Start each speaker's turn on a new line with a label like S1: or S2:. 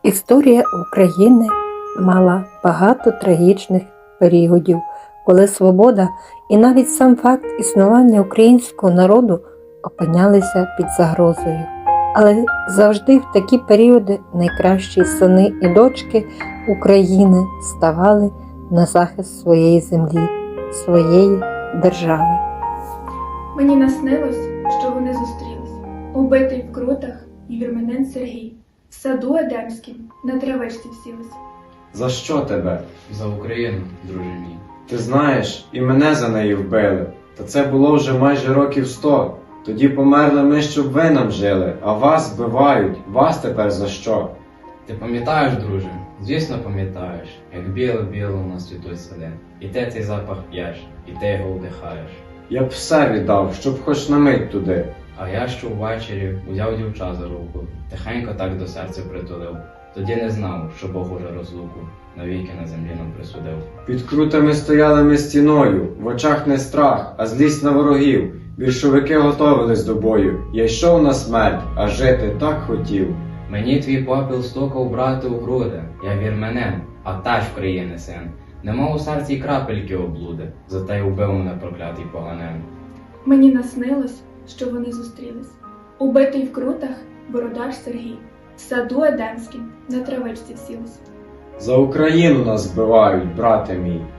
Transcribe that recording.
S1: Історія України мала багато трагічних періодів, коли свобода і навіть сам факт існування українського народу опинялися під загрозою. Але завжди в такі періоди найкращі сини і дочки України ставали на захист своєї землі, своєї держави.
S2: Мені наснилось, що вони зустрілись, убитий в крутах і вірменин Сергій, в саду Едемськім на травичці всілись.
S3: За що тебе?
S4: За Україну, друже мій.
S3: Ти знаєш, і мене за неї вбили. Та це було вже майже років 100. Тоді померли ми, щоб ви нам жили, а вас вбивають. Вас тепер за що?
S4: Ти пам'ятаєш, друже? Звісно, пам'ятаєш, як біло-біло у нас цвітуть сади. І ти цей запах п'єш, і ти його вдихаєш.
S3: Я б все віддав, щоб хоч на мить туди.
S4: А я що ввечері узяв дівча за руку, тихенько так до серця притулив. Тоді не знав, що Бог уже розлуку навіки на землі нам присудив.
S3: Під крутами стояли ми стіною, в очах не страх, а злість на ворогів. Більшовики готовились до бою. Я йшов на смерть, а жити так хотів.
S4: Мені твій попіл стукав, брати, у груди. Я вірменин, а теж країни син. Нема у серці й крапельки облуди, зате й убив мене проклятий поганин.
S2: Мені наснилось, що вони зустрілись, убитий в крутах бородач Сергій, в саду Едемськім на травичці всілись.
S3: За Україну нас вбивають, брате мій.